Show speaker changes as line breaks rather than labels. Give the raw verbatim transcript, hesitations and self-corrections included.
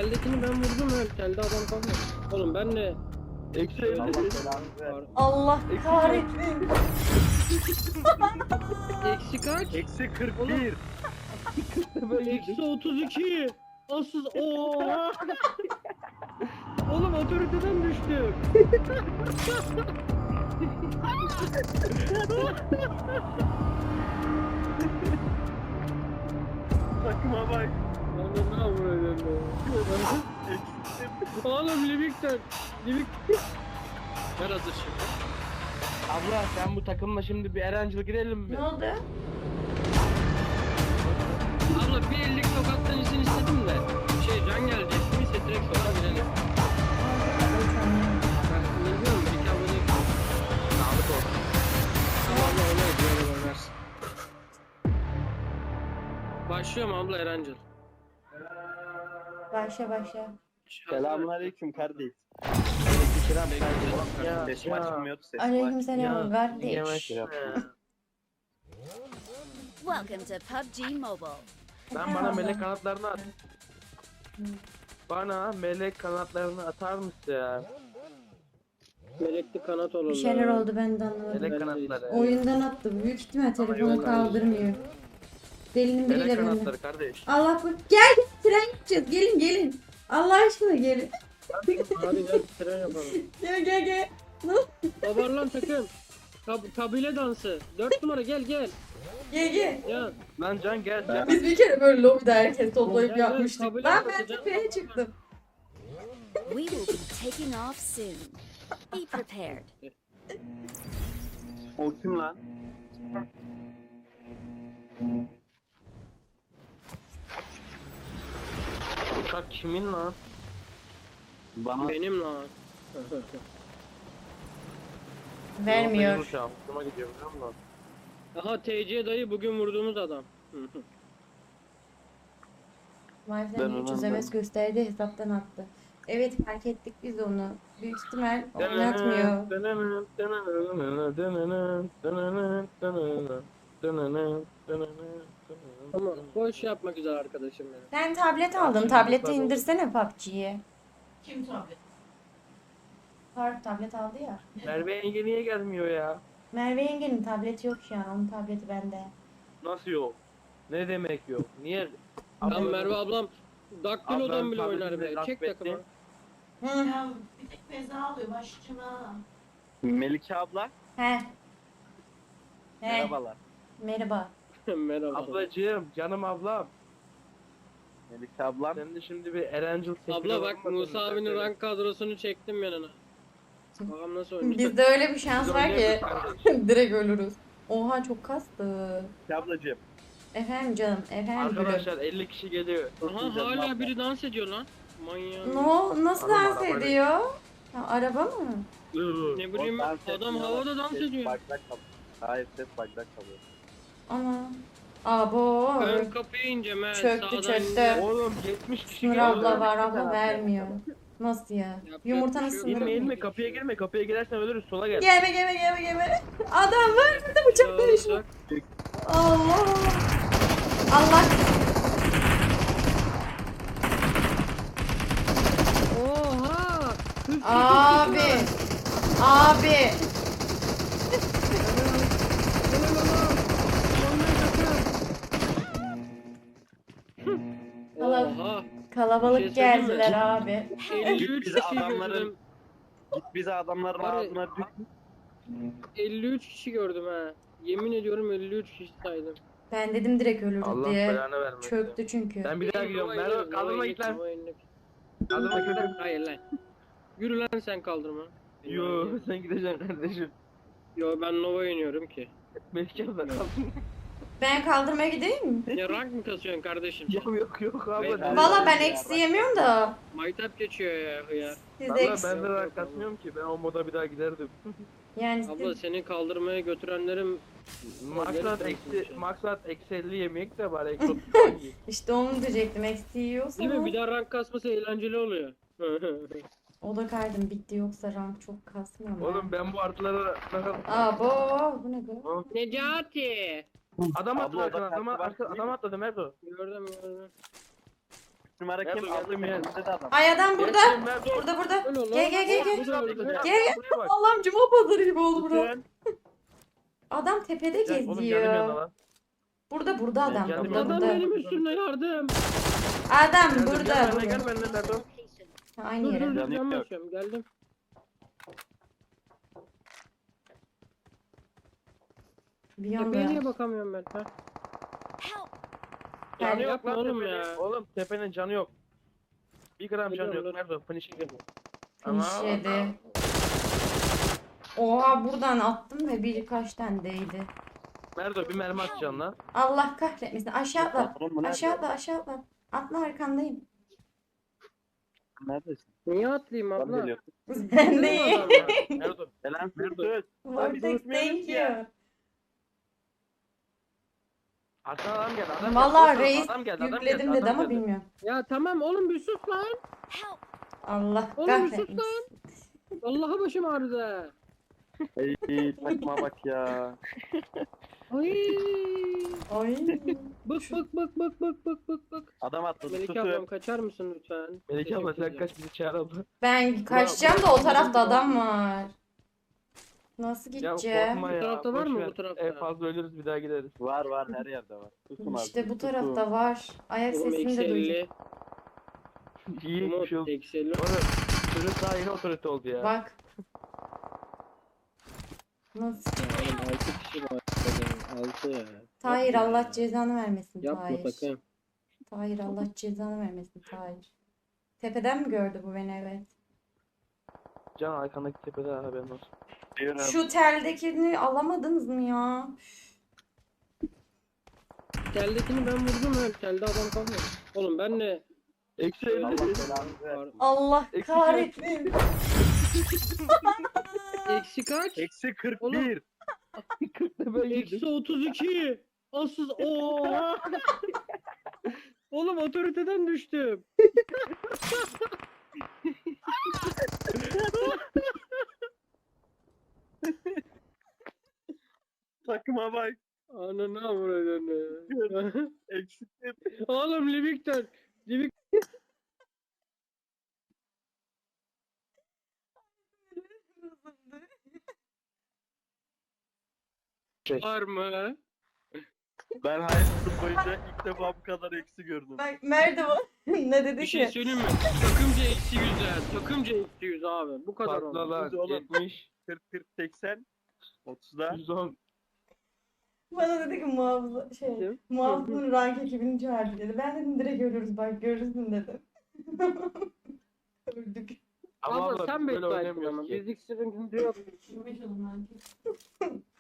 teldekini ben vurdum ha. Telde adam kalmadı. Oğlum ben de
Eksi
Allah belanı ver.
Allah kahretsin.
eksi kaç?
Eksi kırk bir.
Eksi otuz iki. Asıl ooo. Oğlum otoriteden düştüm.
Takıma bak.
Oğlum ne yapıyorsun be? Oğlum Livik'ten. Livik. Ver hazır şimdi.
Abla sen bu takımla şimdi bir Erencil girelim mi?
Ne oldu?
Abla bir ellik sokaktan izin istedim de. Şey can gelecek. Neyse direkt sokağa girelim. Ben ne diyorum? Bir kabul et. Sağlık olsun. Tamam abla öyle öyle oynarsın. Başlıyorum abla Erancıl.
Başla başla.
Selamun aleyküm kardeş.
Aleykümselam kardeşim. Ya,
Sesim
ya.
açılmıyordu sesim
Aleykümselam kardeş.
Yavaş ya.
Welcome to P U B G Mobile.
Ben bana melek kanatlarını at. Bana melek kanatlarını atar mısın ya?
Melekli kanat olur.
Bir şeyler oldu ben de anlamadım.
Melek kanatları.
Oyundan attı. Büyük ihtimal telefonu
yollar.
kaldırmıyor. Delinin
Melek
biriyle bende.
kanatları kardeş.
Allah bu. Gel gel tren gideceğiz. Gelin gelin. Allah aşkına gelin.
Hadi gel tren yapalım.
Gel gel gel.
Babar lan takım. Kab kabile dansı. Dört numara gel gel.
Gel gel.
Ya.
Lan Can gel Can.
Biz bir kere böyle lobide herkes toplayıp
Gel, gel,
yapmıştık.
kabul
Lan
et,
ben
bakacağım.
tepeye çıktım.
We will be taking off soon. Be prepared.
O kim lan?
Uçak kimin lan?
Bana
Benim lan.
Vermiyor.
Benim uçağım. Hoşuma gidiyor biliyor musun?
Aha T C dayı bugün vurduğumuz adam.
Ben
Wi-Fi'den
onu
üç yüz M S gösterdi hesaptan attı. Evet fark ettik biz onu. Büyük ihtimal oynatmıyor.
Ama boş yapmak güzel arkadaşım benim.
Sen tablet aldın. Tableti indirsene P U B G'ye.
Kim tablet?
Faruk tablet aldı ya.
Merve yenge niye gelmiyor ya?
Merve yengenin tableti yok şu an. Onun tableti bende.
Nasıl yok? Ne demek yok? Niye?
Lan Merve ablam Daktilo'dan
Ablam
bile oynar
tabletini
be.
gasp
Çek
etti.
takımı.
Hı.
Ya bir tek Beyza alıyor başçına.
Melike abla.
He. He.
Merhabalar.
Merhaba.
Merhaba.
Ablacığım, canım ablam.
Melike ablam.
Sen de şimdi bir Erencil sefili
Abla bak
olmadın
Musa
mı?
abinin
Sen
rank kadrosunu çektim yanına. Bakalım nasıl oynayacak.
Bizde öyle bir şans
Biz
var ki
oynayamıyoruz.
direkt ölürüz. Oha çok kastı.
Melike ablacığım.
Efendim canım, efendim gülüm.
Arkadaşlar elli kişi geliyor.
Aha hala biri dans ediyor lan. Manyak.
No, nasıl
Araba,
dans
araba.
ediyor? Ha, araba mı?
Iıı.
Ne bileyim
O dans
adam
etmiyor,
havada dans
ses
ediyor.
Bagdak kalıyor. Hayır ses bagdak kalıyor.
Ana. Abo.
Ön kapıya ineceğim he.
Çöktü,
Sağdan
çöktü.
ineceğim.
Oğlum yetmiş kişi
Sınır
geliyor.
abla var
Bir
abla
taraf
vermiyor. Nasıl ya?
Yapacak
Yumurtanın
bir şey yok.
sınırı.
İnme inme kapıya girme kapıya girersen ölürüz sola gel.
Gelme gelme gelme gelme. Adam var burada bıçak dönüşü. Allah. Allah.
Oha!
Abi. Abi.
Oha!
Kalabalık
Bir şey söyleyeyim mi?
geldiler abi.
elli üç
Bizi
kişi
adamların-
gördüm.
Git bizi adamların
Var ya-
ağzına dük.
elli üç kişi gördüm ha. Yemin ediyorum elli üç kişi saydım.
Ben dedim direkt ölürüz
Allah
diye.
belanı vermesin.
Çöktü çünkü.
Ben bir daha gidiyorum. Merhaba kaldırma git lan. Kaldırma git lan.
Hayır lan. Yürü lan sen kaldırma.
Yo sen gideceksin kardeşim.
Yo ben Nova iniyorum ki.
Melike abla kaldırma.
Ben kaldırmaya gideyim mi?
Ya rank mı kasıyorsun kardeşim?
Yok yok yok abla.
Ben-
Valla ben eksi yemiyorum da.
Maytap geçiyor ya hıyar.
Siz
Valla
eksi.
ben de rahat katmıyorum ki. Ben o moda bir daha giderdim.
Yani
Abla
siz...
seni kaldırmaya götürenlerim
Maksat
Neresi
eksi,
konuşuyor?
maksat eksi elli yemek de var. Eksi otuz falan yiyin.
işte onu diyecektim. Eksi yiyorsa
değil mi? Bir daha rank kasması eğlenceli oluyor.
o da kaydım bitti yoksa rank çok kasmıyor mu?
Oğlum ben bu artılara nasıl...
Abo bu ne bu?
Necati!
Adam
Abla,
atladı
o da
arkana. Adam,
kartı var
arka,
değil
adam
mi?
atladı Merdo.
Gördüm gördüm.
üç numara
Nerede
kim?
geldim
Aldım
ya?
önümüzde de adam.
Ay adam burada.
Geçtim, Mert, dur.
Burada burada.
Öyle oğlum.
Gel gel gel gel.
Bu da öldü.
Gel gel.
Buraya bak.
Allah'ım cuma pazarı gibi oldu bura.
Bütün
Adam tepede
Gel, oğlum geldim yanına
geziyor.
lan.
Burada burada adam.
geldim
Burada
yanına.
Adam
burada.
benim üstümde yardım.
Adam
Geldim,
burada.
Gel benimle
burada.
gel benimle Mert, dur.
Ha, Aynı
Dur dur
yere.
dur
Yanık
yan
yok.
basıyorum geldim.
Bir
Tepeye
yanda.
niye bakamıyorum ben? Ha?
Help!
Canı yok
yapma
lan
oğlum
tepenin.
ya.
Oğlum tepenin canı yok. Bir gram canı
Geliyorum,
yok.
dur.
Nerede o? Finish'e gel.
Finish yedi. Oha buradan attım ve birkaç tane değdi.
Merdo bir mermi atacaksın lan.
Allah kahretmesin. Aşağı atla.
Oğlum bu nerede?
Aşağı atla aşağı atla. Atla arkandayım.
Neredesin?
Niye atlayayım
Ben
abla?
geliyorum.
Ben değil.
Merdo.
Selam
Nerede?
söz.
Vortex thank you.
Arkadan adam geldi. Adam
Vallahi
geldi.
reis
Adam geldi, adam
yükledim
geldi,
dedi
adam
ama
geldi.
bilmiyorum.
Ya tamam oğlum bir sus lan.
Help!
Allah
Oğlum bir sus
kahretmesin.
lan. Vallahi başım ağrıdı.
Ey takma bak ya.
Ay.
Ay.
Bak bak bak bak bak bak bak bak.
Adam atladı.
Melike ablam
Tutun.
kaçar mısın lütfen?
Melike abla sen
Teşekkür
kaç bizi çağır abla.
Ben kaçacağım da o tarafta adam var. Nasıl
Ya
gideceğim?
korkma ya.
Bu tarafta var
boş
mı
ver.
bu tarafta?
En fazla ölürüz bir daha gideriz.
Var var her yerde var. Tutun abi.
İşte bu
tutun.
tarafta var. Ayak
Oğlum
sesini
eksi
de duyacağım.
elli.
İyi
Umut
bir şey oldu.
eksi elli.
Oğlum çocuk daha yeni otorite oldu ya.
Bak. Nasıl?
Oğlum altı kişi var. altı ya.
Tahir
Yapma
Allah
ya.
cezanı vermesin
Yapma
Tahir.
sakın.
Tahir Allah cezanı vermesin Tahir. Tepeden mi gördü bu beni evet.
Can arkandaki tepede haberin olsun.
Diyorum.
Şu teldekini alamadınız mı ya?
Teldekini ben vurdum ha. Telde adam kalmadı. Oğlum ben de
Eksi
Allah
elli.
belanı ver.
Allah
Eksik
kahretsin.
eksi kaç?
Eksi kırk
Oğlum.
bir.
Ben
Eksi otuz iki. Asıl ooo. Oğlum otoriteden düştüm.
Takma bak.
Ananı avradını.
Eksi kırk.
Oğlum Livik'ten. Livik var mı?
Ben hayatım boyunca ilk defa bu kadar eksi gördüm.
Bak merdiven ne dedi
Bir şey
ki?
söyleyeyim mi? Takımca eksi yüzler. Takımca eksi yüz abi. Bu kadar oldu.
Patlalar.
Oğlum.
yetmiş.
kırk kırk seksen. otuzda.
yüz on.
Bana dedi ki muhafıza şey
Kim?
muhafızın rank ekibini çağırdı dedi. Ben dedim direkt görürüz bak görürsün dedim. Öldük.
Ama
Abla
abla
sen
biz böyle
beklersin
oynamıyoruz
ama.
ki.
Biz iksirin yok.
Yirmi yılından.